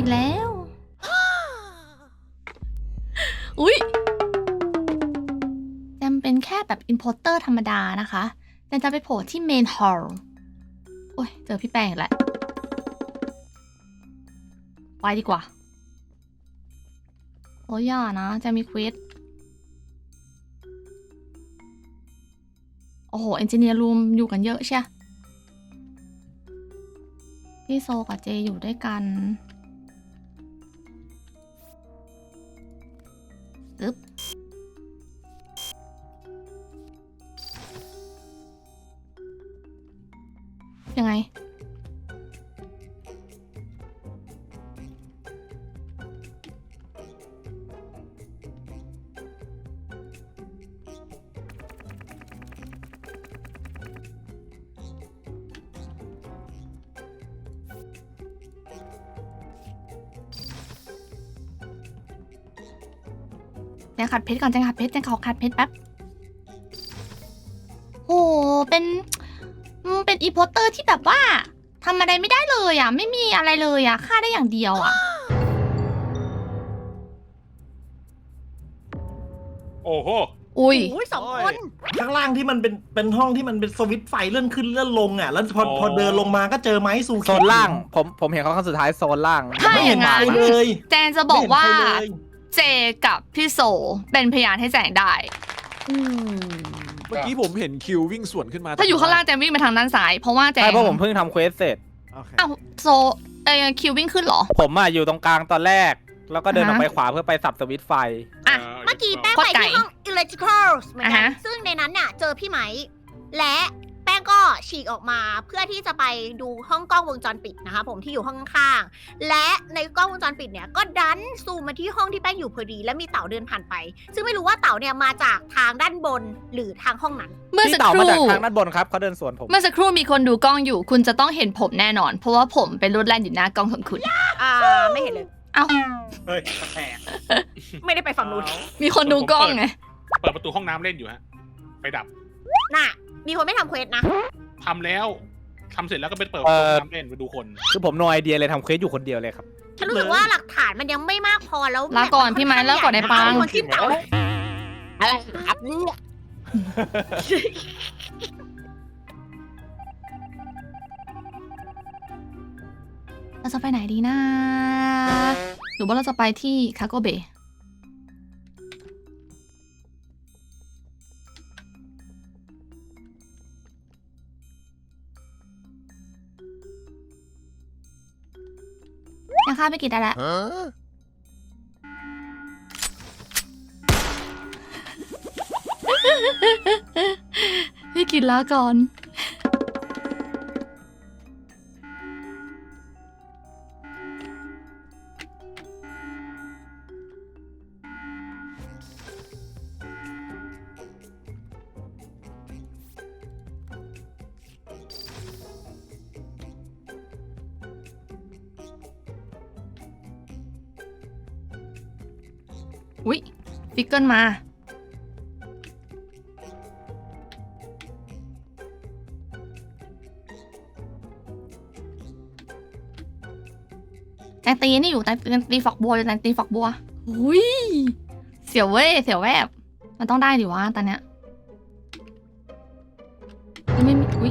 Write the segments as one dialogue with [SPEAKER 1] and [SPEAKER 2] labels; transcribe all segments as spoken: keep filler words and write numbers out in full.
[SPEAKER 1] กแล้วอุ้ยแจมเป็นแค่แบบ importer ธรรมดานะคะแจมจะไปโผล่ที่ main hall โอ้ยเจอพี่แป้งอีกแล้วไปดีกว่าโอ้ยอย่านะแจมมีเควสโอ้โห engineer room อยู่กันเยอะใช่พี่โซกับเจอยู่ด้วยกันปึ๊บยังไงแจงขัดเพชรก่อนแจงขัดเพชรแจงขอขัดเพชรแป๊บโหเป็นเป็นอีโพเตอร์ที่แบบว่าทำอะไรไม่ได้เลยอ่ะไม่มีอะไรเลยอ่ะฆ่าได้อย่างเดียวอ่ะ
[SPEAKER 2] โอ้โห
[SPEAKER 1] อุ้ย
[SPEAKER 3] อุ้ยสองคน
[SPEAKER 4] ข้างล่างที่มันเป็นเป็นห้องที่มันเป็นสวิตช์ไฟเลื่อนขึ้นเลื่อนลงอ่ะแล้วพอพอเดินลงมาก็เจอไม้ซู
[SPEAKER 5] โซนล่างผมผมเห็นเขาครั้งสุดท้ายโซนล่าง
[SPEAKER 1] ถ้าอย่างนั้น
[SPEAKER 4] ไม่เห็นใครเลย
[SPEAKER 1] แจงจะบอกว่า
[SPEAKER 4] ไม่เห็นใครเลย
[SPEAKER 1] เจกับพี่โซเป็นพยานให้แจงได้
[SPEAKER 6] เมื่อกี้ผมเห็นคิววิ่งสวนขึ้นมา
[SPEAKER 1] ถ้าอยู่ข้างล่างแจงวิ่งไปทางด้านซ้ายเพราะว่าแจง
[SPEAKER 5] ใช่เพราะผมเพิ่งทำเควสเสร็จ
[SPEAKER 6] โอเค
[SPEAKER 1] อ้าวโซเออคิววิ่งขึ้นเหรอ
[SPEAKER 5] ผมอ่ะอยู่ตรงกลางตอนแรก แล้วก็เดินออก
[SPEAKER 1] อ่าฮะ
[SPEAKER 5] ไปขวาเพื่อไปสับสวิตช์ไฟ
[SPEAKER 3] อ่ะ เมื่อกี้แป้ง
[SPEAKER 1] โคต
[SPEAKER 3] ไป
[SPEAKER 1] รไกล
[SPEAKER 3] ที่ห้อง electrical เหมือน
[SPEAKER 1] อ่า
[SPEAKER 3] กัน
[SPEAKER 1] ฮะ
[SPEAKER 3] ซึ่งในนั้นเนี่ยเจอพี่ไหม และแป้งก็ฉีกออกมาเพื่อที่จะไปดูห้องกล้องวงจรปิดนะคะผมที่อยู่ห้องข้างๆและในกล้องวงจรปิดเนี่ยก็ดันซูมมาที่ห้องที่แป้งอยู่พอดี และมีเต่าเดินผ่านไป ซึ่งไม่รู้ว่าเต่าเนี่ยมาจากทางด้านบนหรือทางห้องนั้น
[SPEAKER 1] เมื่อ
[SPEAKER 5] พี่
[SPEAKER 1] สัก
[SPEAKER 5] เต่า
[SPEAKER 1] ค
[SPEAKER 5] มา
[SPEAKER 1] รู่
[SPEAKER 5] จากทางด้านบนครับเขาเดินสวนผม
[SPEAKER 1] เมื่อสักครู่มีคนดูกล้องอยู่ คุณจะต้องเห็นผมแน่นอน เพราะว่าผมเป็นรูดแลนอยู่หน้ากล้องของคุณ
[SPEAKER 3] อ่าไม่เห็นเลย
[SPEAKER 1] เอ้า
[SPEAKER 4] เฮ้ยแปลก
[SPEAKER 3] ไม่ได้ไปฝั่งนู้น
[SPEAKER 1] มีคนดูกล้องไง
[SPEAKER 2] เปิดประตูห้องน้ำเล่นอยู่ฮะไปดับ
[SPEAKER 3] น่ะ มีคนไม่ทำเควสนะ
[SPEAKER 2] ทำแล้วทำเสร็จแล้วก็ไปเปิดประตูห้องน้ำเล่นไปดูคน
[SPEAKER 5] คือผมโนไอเดียเลยทำเควสอยู่คนเดียวเลยครับ
[SPEAKER 3] ฉันรู้สึกว่าหลักฐานมันยังไม่มากพอแล้ว
[SPEAKER 1] ลาก่อนพี่ไม้ลาก่อนไอ้ปัง
[SPEAKER 3] คนที่เต่า
[SPEAKER 6] อะไรครับเนี่ย
[SPEAKER 1] เราจะไปไหนดีนะหรือว่าเราจะไปที่คาโกเบยังฆ่าไม่กี่ได้แล้ว พี่กินแล้วก่อน อุ๊ยฟิกเกิลมา แตงตีนี่อยู่แตงตีฝักบัวอยู่แตงตีฝักบัวอุ้ยเสียวเว้ยเสียวแวบมันต้องได้ดิวะตอนเนี้ยไม่มีอุ้ย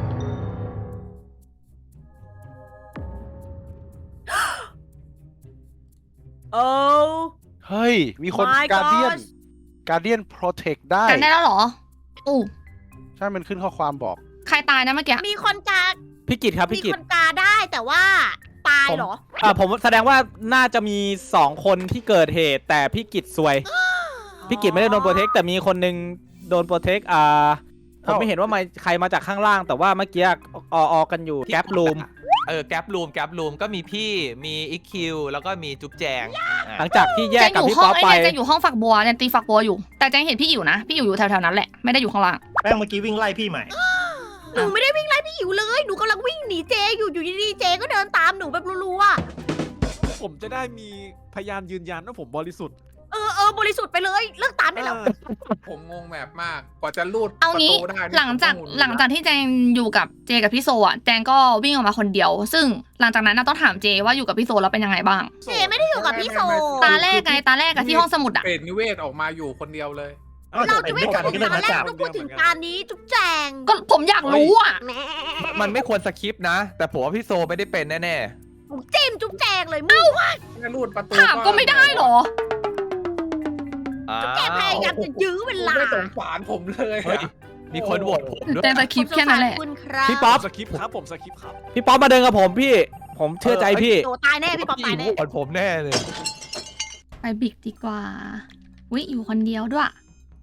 [SPEAKER 3] โอ้
[SPEAKER 6] เฮ้ย มีคน
[SPEAKER 3] My
[SPEAKER 6] การเดียน
[SPEAKER 3] gosh
[SPEAKER 6] การเดียนโปรเทคได้
[SPEAKER 1] กันได้แล้วเหรออู้
[SPEAKER 6] ใช่ มันขึ้นข้อความบอก
[SPEAKER 1] ใครตายนะเมื่อกี้
[SPEAKER 3] มีคนกา
[SPEAKER 5] พี่กิตครับ
[SPEAKER 3] มี
[SPEAKER 5] พี่กิต
[SPEAKER 3] คนกาได้แต่ว่าตายเหรอ
[SPEAKER 5] อ่าผมแสดงว่าน่าจะมีสองคนที่เกิดเหตุ แต่พี่กิตซวย พี่กิตไม่ได้โดนโปรเทคแต่มีคนนึงโดนโปรเทคอ่าผมไม่เห็นว่ามาใครมาจากข้างล่าง แต่ว่าเมื่อกี้อออกันอยู่แก๊ปรูม
[SPEAKER 7] เออแก๊ปรูมแก๊ปรูมก็มีพี่มีอีคิวแล้วก็มีจุ๊บแจง
[SPEAKER 5] หลังจากที่แย
[SPEAKER 1] แจ
[SPEAKER 5] ก
[SPEAKER 1] ง
[SPEAKER 5] กับ
[SPEAKER 1] อยู่
[SPEAKER 5] พี่
[SPEAKER 1] ห้อ
[SPEAKER 5] ป๊
[SPEAKER 1] ง
[SPEAKER 5] อป
[SPEAKER 1] ไอ้
[SPEAKER 5] ไป
[SPEAKER 1] เนี่ยแจงอยู่ห้องฝักบัวแจงตีฝักบัวอยู่แต่แจงเห็นพี่อิ๋วนะพี่อิ๋วอยู่แถวๆนั้นแหละไม่ได้อยู่ข้างล่าง
[SPEAKER 4] แป้งเมื่อกี้วิ่งไล่พี่ใหม่
[SPEAKER 3] หนูไม่ได้วิ่งไล่พี่อิ๋วเลย หนูกำลังวิ่งหนีเจอยู่อยู่ดีๆเจก็เดินตามหนูแบบรัวๆอะ
[SPEAKER 6] ผมจะได้มีพยานยืนยันว่าผมบริสุทธิ์
[SPEAKER 3] เอออเออบริสุทธิ์ไปเลยเลิกตามได้แล้ว
[SPEAKER 8] ผมงงแบบมาก กว่าจะลูด
[SPEAKER 1] เอางี้
[SPEAKER 8] ประตูได้นี่
[SPEAKER 1] หลังจาก
[SPEAKER 8] ผมต้อง
[SPEAKER 1] หลังจากที่แจงอยู่กับเจกับพี่โซอ่ะแจงก็วิ่งออกมาคนเดียว ซึ่งหลังจากนั้นน่ะต้องถามเจว่าอยู่กับพี่โซแล้วเป็นยังไงบ้าง
[SPEAKER 3] เจไม่ได้อยู่กับพี่โซ
[SPEAKER 1] ตาแรกไงตาแรกอะที่ห้องสมุดอะ
[SPEAKER 8] เปรตนิเวศออกมาอยู่คนเดียวเลย
[SPEAKER 3] เราจะไม่พูดถึง
[SPEAKER 4] ก็
[SPEAKER 3] ตา
[SPEAKER 4] ได้
[SPEAKER 3] แรก
[SPEAKER 4] นะจ๊ะ
[SPEAKER 3] ต้องพูดถึงตานี้จุ๊บแจง
[SPEAKER 1] ก็ผมอยากรู้อะ
[SPEAKER 3] แหม่
[SPEAKER 7] มันไม่ควรสคริปต์นะ แต่ผมว่าพี่โซไม่ได้เป็นแน่
[SPEAKER 3] ผมจิ้มจุ๊บแจงเลยมึง
[SPEAKER 8] แค่ลูดประตู
[SPEAKER 1] ถามก็ไม่ได้เหรอ
[SPEAKER 7] ๆอ้า
[SPEAKER 3] แกพยายามจะยื้อเวลา
[SPEAKER 8] ไม่สงสารผมเลย
[SPEAKER 7] เฮ้ย มีคนโหวตผมด้วย
[SPEAKER 1] แจงจะคลิปแค่นั้นแหละ
[SPEAKER 3] ผมสงสารคุณครับ
[SPEAKER 5] พี่ป๊อป
[SPEAKER 6] สคริปต์ครับผมสคริปต์ครับ
[SPEAKER 5] พี่ป๊อปมาเดินกับผมพี่ ผมเชื่อใจพี่
[SPEAKER 3] โตตายแน่พี่ป๊อปตายแน่
[SPEAKER 7] โหวตผมแน่เลย
[SPEAKER 1] ไปบิกดีกว่าวิอยู่คนเดียวด้วย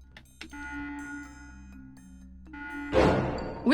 [SPEAKER 1] วิ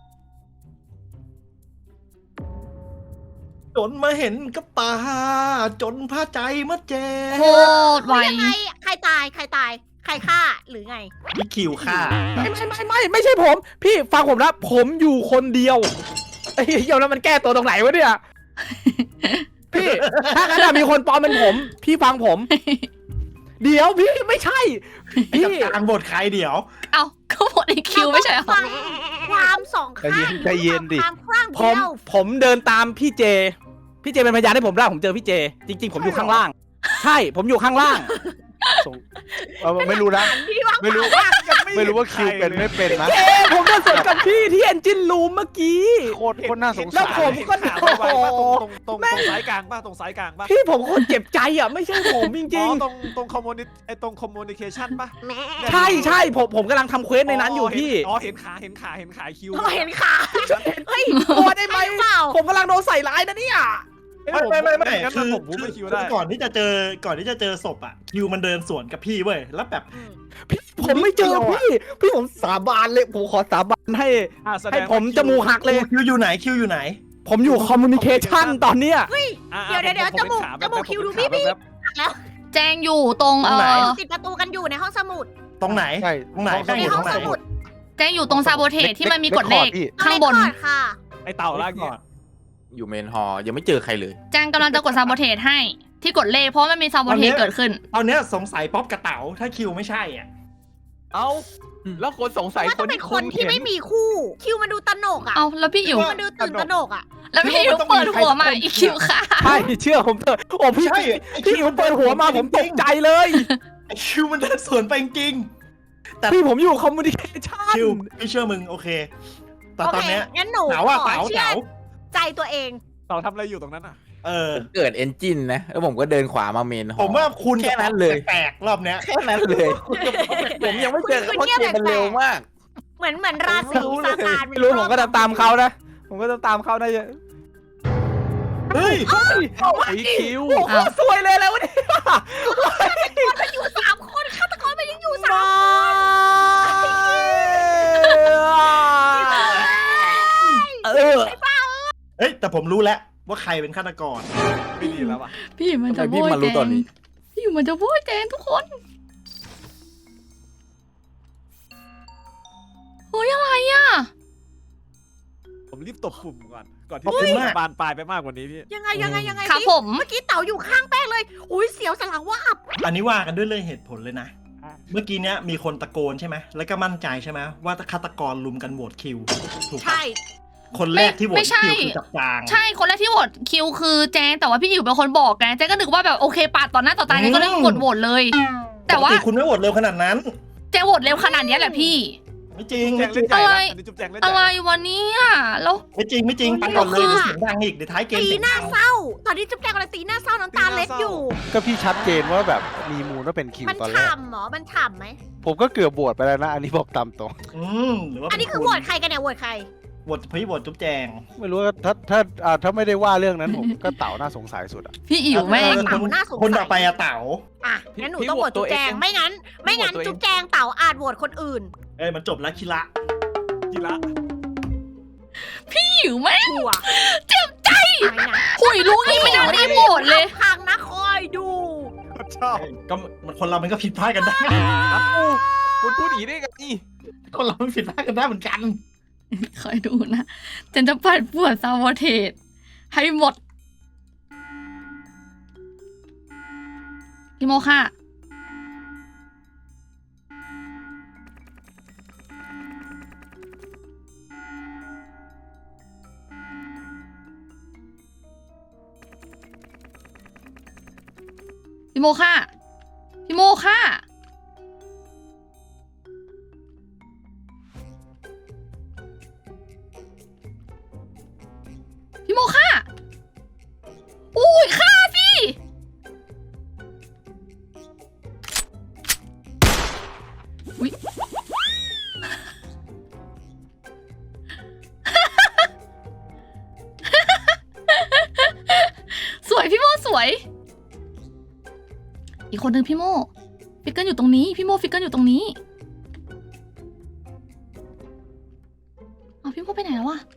[SPEAKER 4] จนมาเห็นกับตา จนพาใจมาแจ
[SPEAKER 1] โคตรไว
[SPEAKER 3] ยังไงใครตายใครตายใครฆ่าหรือไง
[SPEAKER 4] พี่คิวฆ่า
[SPEAKER 5] ไม่ไม่ไม่ไม่ไม่ใช่ผม พี่ฟังผมนะผมอยู่คนเดียวไอ้เหี้ยแล้วมันแก้ตัวตรงไหนวะเนี่ย พี่ถ้างั้นอะมีคนปลอมเป็นผม พี่ฟังผม เดี๋ยวพี่ไม่ใช่ พี่
[SPEAKER 4] กับการบทใครเดี๋ยว
[SPEAKER 1] เอาก็หมดไอคิวไม่ใช่เหรอ
[SPEAKER 3] ฟังความสองข้าง
[SPEAKER 5] ใจเย็นใจเย็นดิ
[SPEAKER 3] ความคลั่ง
[SPEAKER 5] ผ
[SPEAKER 3] เดี
[SPEAKER 5] ม
[SPEAKER 3] ยว
[SPEAKER 5] ผมเดินตามพี่เจ พี่เจเป็นพยานให้ผมได้ผมเจอพี่เจ จริง ๆ ผมอยู่ข้างล่าง ใช่ผมอยู่ข้างล่าง
[SPEAKER 9] เออไม่รู้นะ
[SPEAKER 3] ที่วาง
[SPEAKER 9] ไม่รู้
[SPEAKER 3] แผน
[SPEAKER 9] ไม่รู้ว่าคิวเป็นไม่เป็นนะ
[SPEAKER 5] เจผมเดินสวนกับพี่ที่เอนจินรูมเมื่อกี้
[SPEAKER 9] โคตรโคตรน่าสง
[SPEAKER 5] แล้
[SPEAKER 9] สาว ร
[SPEAKER 5] ผมก็
[SPEAKER 6] ข่าว
[SPEAKER 5] โอ้
[SPEAKER 6] ไว
[SPEAKER 5] โห
[SPEAKER 6] ๆป่ะตรงตรงตรงตรงสายกลางป่ะตรงสายกลางป่ะ
[SPEAKER 5] พี่ผมโคตรเจ็บใจอ่ะไม่ใช่ผมจ
[SPEAKER 6] อ๋
[SPEAKER 5] ริ
[SPEAKER 6] อง ตรงตรงคอมมูนิไอตรงคอมมูนิเคชันป่ะ
[SPEAKER 3] แหม่
[SPEAKER 5] ๆ ใช่ใช่ผมผมกำลังทำเควสในนั้นอยู่พี่
[SPEAKER 6] อ๋อเห็นขาเห็นขาเห็นขาคิว
[SPEAKER 3] เราเห็นขาเฮ้ย
[SPEAKER 5] กลัวได้ไหม
[SPEAKER 3] ใช่รือเปล่า
[SPEAKER 5] ผมกำลังโดนใส่ร้ายนะเนี่ย
[SPEAKER 4] ไม่ไม่ไม่ไม่
[SPEAKER 6] งั้น
[SPEAKER 4] คือ
[SPEAKER 6] ผมพูดไม่คิว
[SPEAKER 4] คื
[SPEAKER 6] ได้
[SPEAKER 4] อก่อนที่จะเจอก่อนที่จะเจอศพอ่ะคิวมันเดินสวนกับพี่เว้ยแล้วแบบ
[SPEAKER 5] พี่ผมไม่เจอพี่ พี่ผมสาบานเลยผมขอสาบานให้
[SPEAKER 6] อ่ะแสดง
[SPEAKER 5] ให้
[SPEAKER 6] ว่า
[SPEAKER 5] ผมจมูกหักเลย
[SPEAKER 4] คิวอยู่ไหนคิวอยู่ไหน
[SPEAKER 5] ผมอยู่คอมมูนิเคชันตอนเนี้ย
[SPEAKER 6] อ่ะ
[SPEAKER 3] เดี๋ยวเดี๋ยวเดี๋ยว
[SPEAKER 6] ผ
[SPEAKER 3] จมูก
[SPEAKER 6] เป็นขา
[SPEAKER 3] จมูก
[SPEAKER 6] แบบ
[SPEAKER 3] คิวดู
[SPEAKER 6] ผมเป็น
[SPEAKER 3] พี่
[SPEAKER 6] ขาแบบ
[SPEAKER 3] แล้ว
[SPEAKER 1] แจงอยู่ตรงเอ
[SPEAKER 4] ตรงไหน
[SPEAKER 1] อ
[SPEAKER 3] ติดประตูกันอยู่ในห้องสมุด
[SPEAKER 4] ตรงไหน
[SPEAKER 9] ใช่
[SPEAKER 4] ตรงไหน
[SPEAKER 3] ในห้องสมุด
[SPEAKER 1] แจงอยู่ตรงซาโบเทสที่มันมีกฎเลข
[SPEAKER 9] พี่
[SPEAKER 1] ข้างบน
[SPEAKER 3] เอเลขคอร์ดค่ะ
[SPEAKER 6] ไอเต่าล่างเนี่ย
[SPEAKER 8] อยู่เมนฮอลล์ยังไม่เจอใครเลย
[SPEAKER 1] แจงกำลังจะกดซาโบเทสให้ที่กดเลขเพราะมันมีซาโบเทสเกิดขึ้น
[SPEAKER 4] ตอนเนี้ยสงสัยป๊อปกระเต๋าถ้าคิวไม่ใช่อ่ะ
[SPEAKER 7] เอ้า แล้วคนสงสัย
[SPEAKER 3] ว่า
[SPEAKER 7] ค
[SPEAKER 3] ต้อน งเป็น
[SPEAKER 7] ที่
[SPEAKER 3] ค
[SPEAKER 7] คุ
[SPEAKER 3] น
[SPEAKER 7] ณ
[SPEAKER 3] ที่
[SPEAKER 7] เห็น
[SPEAKER 3] ไม่มีคู่ คิวมันดูตนกอ่ะ
[SPEAKER 1] เอาแล้วพี่อิ๋ว
[SPEAKER 3] มันดูตื่นตนกอ่ะ
[SPEAKER 1] แล้วพี่อิ๋วเปิดหัวมาอีคิวค่ะ
[SPEAKER 5] ใช่เชื่อผมเถอะโอ้พี่
[SPEAKER 4] ใช่
[SPEAKER 5] พี่ผมเปิดหัวมาผมตกใจเลย
[SPEAKER 4] ไอ้คิวมันเดินสวนไปจริงๆแต่
[SPEAKER 5] พี่ผมอยู่คอมมูนิเคชัน
[SPEAKER 4] คิวพี่เชื่อมึงโอเค แต่
[SPEAKER 3] โอ
[SPEAKER 4] ตอน
[SPEAKER 3] เค
[SPEAKER 4] เนี้ย
[SPEAKER 3] งั้นหนู
[SPEAKER 4] เต๋าอ่ะ
[SPEAKER 3] ขอ
[SPEAKER 4] เต๋า
[SPEAKER 3] เชื่อ
[SPEAKER 4] เต๋า
[SPEAKER 3] ใจตัวเอง
[SPEAKER 6] เต่าทำอะไรอยู่ตรงนั้นอ่ะ
[SPEAKER 4] เออ
[SPEAKER 8] ผมเกิดเอนจินนะ แล้วผมก็เดินขวามาเมนฮอลล์
[SPEAKER 4] ผมว่าคุณ
[SPEAKER 8] แค่นั้นเลย
[SPEAKER 4] แปลกๆรอบเนี้ย
[SPEAKER 8] แค่นั้นเลย ผมยังไม่เจอ
[SPEAKER 3] คุณ
[SPEAKER 8] เพราะ
[SPEAKER 3] เงียบ
[SPEAKER 8] เกมมัน
[SPEAKER 3] แปลกๆ
[SPEAKER 8] เร็วมาก
[SPEAKER 3] เหมือนเหมือนราศี
[SPEAKER 8] ผมไม่รู้เลย
[SPEAKER 3] ซาตาน
[SPEAKER 5] ไม่รู้ผมก็จะตามเขานะ ผมก็จะตามเขาได้เยอะ
[SPEAKER 4] เฮ้ย
[SPEAKER 7] ไอคิว
[SPEAKER 5] โอ้โหสวยเลยแล้วะเนี่ย
[SPEAKER 3] มันอยู่สามคนฆาตกรมันยังอยู่สาม
[SPEAKER 5] เออ
[SPEAKER 4] เฮ้ยแต่ผมรู้แล้วว่าใครเป็นฆาตกร
[SPEAKER 6] ไม่ดีแล้วว่ะ
[SPEAKER 1] พี่มันจะ
[SPEAKER 8] ทำไม
[SPEAKER 1] โบ
[SPEAKER 8] พี่
[SPEAKER 1] ย
[SPEAKER 8] มารู้
[SPEAKER 1] แจ
[SPEAKER 8] ตอน
[SPEAKER 1] ง
[SPEAKER 8] นี้
[SPEAKER 1] พี่อยู่มันจะโบยแจงทุกคนเฮ้ยอะไรอ่ะ
[SPEAKER 6] ผมรีบตบปุ่มก่อน ก่อนที่
[SPEAKER 4] ขอบคุณมาก
[SPEAKER 6] บานปลายไปมากกว่านี้พี่
[SPEAKER 3] ยังไงยังไงยังไง
[SPEAKER 1] ครับ
[SPEAKER 3] สิ
[SPEAKER 1] ผม
[SPEAKER 3] เมื่อกี้เต่าอยู่ข้างแป้งเลยอุ้ยเสียวสนหลังว่าบ
[SPEAKER 4] อันนี้ว่ากันด้วยเรื่องเหตุผลเลยนะ เมื่อกี้เนี้ยมีคนตะโกนใช่ไหมแล้วก็มั่นใจใช่ไหมว่าฆาตกรลุมกันโหวตคิวถูกปะ
[SPEAKER 3] ใช่
[SPEAKER 4] คนแรกที่โหว
[SPEAKER 1] ไม่
[SPEAKER 4] ต
[SPEAKER 1] ใช่
[SPEAKER 4] คิวคือจับจาง
[SPEAKER 1] ใช่คนแรกที่โหวตคิวคือแจงแต่ว่าพี่อิ๋วเป็นคนบอกไงแจงก็นึกว่าแบบโอเคปาดต่อหน้าต่อตาแจงก็เลยกดโหวตเลย แต่ว่า
[SPEAKER 4] ปกคุณไม่โหวตเร็วขนาดนั้น
[SPEAKER 1] แจงโหวตเร็วขนาดนี้แหละพี่
[SPEAKER 4] ไม่จริง
[SPEAKER 6] แจ
[SPEAKER 4] ไม่
[SPEAKER 6] ง
[SPEAKER 4] จริ
[SPEAKER 6] เล่
[SPEAKER 4] ง
[SPEAKER 6] นใหญ่
[SPEAKER 1] อะไร
[SPEAKER 6] นะอันนี้จุ๊บแจงเล่นให
[SPEAKER 1] อะ
[SPEAKER 6] ญ่
[SPEAKER 1] ไร
[SPEAKER 6] นะ
[SPEAKER 1] วะเนี่ยแล้ว
[SPEAKER 4] ไม่จริงไม่จริงปันก่อนเลยเดี๋ยวเสียงดังอีกเดี๋ยวท้ายเกม
[SPEAKER 3] ตี
[SPEAKER 4] เสียง
[SPEAKER 3] หน้า
[SPEAKER 4] ดัง
[SPEAKER 3] เศร้า ตอนนี้จุ๊บแจงกำลังตีหน้าเศร้าน้ำตาเล็ดอยู่
[SPEAKER 9] ก็พี่ชัดเจนว่าแบบมีมูลว่าเป็นคิว
[SPEAKER 3] มัน
[SPEAKER 9] ตอนแรก
[SPEAKER 3] ฉ่ำเหรอมันฉ่ำไหม
[SPEAKER 9] ผมก็เกือบโหวตไปแล้วนะ อันนี้บอกตามตรง
[SPEAKER 4] อืมหรือว่า
[SPEAKER 3] อันนี้คือโหวตใครกันเนี่ยโหวตใคร
[SPEAKER 4] โหวตพี่โหวตจุ๊บแจง
[SPEAKER 9] ไม่รู้ว่าถ้าถ้าอ่าถ้าไม่ได้ว่าเรื่องนั้นผมก็เต่าน่าสงสัยสุดอะ
[SPEAKER 1] พี่อิ๋วแม่ง
[SPEAKER 4] เออคนคนต่อไปอะเต๋า
[SPEAKER 3] อ่ะงั้นหนูต้องโหวตจุ๊บแจงไม่งั้น ไม่งั้นจุ๊บแจงเต่าอาจโหวตคนอื่น
[SPEAKER 4] เอ้ยมันจบแล้วคิระ
[SPEAKER 6] กีฬา
[SPEAKER 1] พี่อิ๋วแม่ง
[SPEAKER 3] ชัวร์
[SPEAKER 1] เจ็บใจ
[SPEAKER 3] ไหนนะ
[SPEAKER 1] หุยรู้งี้ไม่น่าได้โหวตเลย
[SPEAKER 3] พังนะคอยดู
[SPEAKER 6] ชอบ
[SPEAKER 4] ก็มันคนเรามันก็ผิดพลาดกันได้
[SPEAKER 7] คุณพูดอย่างนี้ได้ไง
[SPEAKER 4] คนเรามันผิดพลาดกันได้เหมือนกัน
[SPEAKER 1] คอยดูนะเจนจะปัดปวดซาโบเทสให้หมดพี่โมค่ะพี่โมฆ่าพี่โมฆ่าพี่โมฆ่าอุ้ยฆ่าสิอุ้ย สวยพี่โมสวยอีกคนนึงพี่โมฟิกเกิลอยู่ตรงนี้พี่โมฟิกเกิลอยู่ตรงนี้เอาพี่โมไปไหนแล้ววะ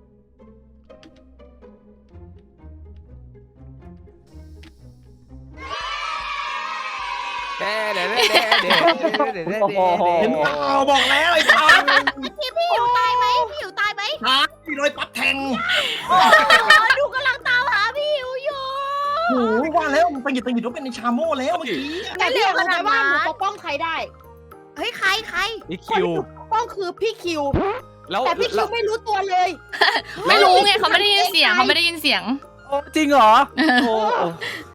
[SPEAKER 7] เด้เด้เด้เด้เด้เด้เด้
[SPEAKER 5] โอ้โห
[SPEAKER 4] เห็นเปล่าบอกแล้วไอ้ปั๊บ
[SPEAKER 3] พี่พี่อยู่ตายไหมพี่อยู่ตายไหม
[SPEAKER 4] หาพี่รอยปั๊บแทง
[SPEAKER 3] โอ้ดูกำลังตามหาพี่อยู่อยู่
[SPEAKER 4] โอ้โหว่าแล้วมันไปหยิบไปหยิบว่าเป็นในชาโม่แล้วเมื่อกี้
[SPEAKER 3] แต่เร็วขนาด
[SPEAKER 10] ว่า
[SPEAKER 3] นั้น
[SPEAKER 10] หนูปกป้องใครได้
[SPEAKER 3] เฮ้ยใครใคร
[SPEAKER 7] อีคิว
[SPEAKER 10] ปกป้องคือพี่คิว
[SPEAKER 7] แล้ว
[SPEAKER 10] แต่พี่คิวไม่รู้ตัวเลย
[SPEAKER 1] ไม่รู้ไงเขาไม่ได้ยินเสียงเขาไม่ได้ยินเสียง
[SPEAKER 5] จริงเหรอโอ้โห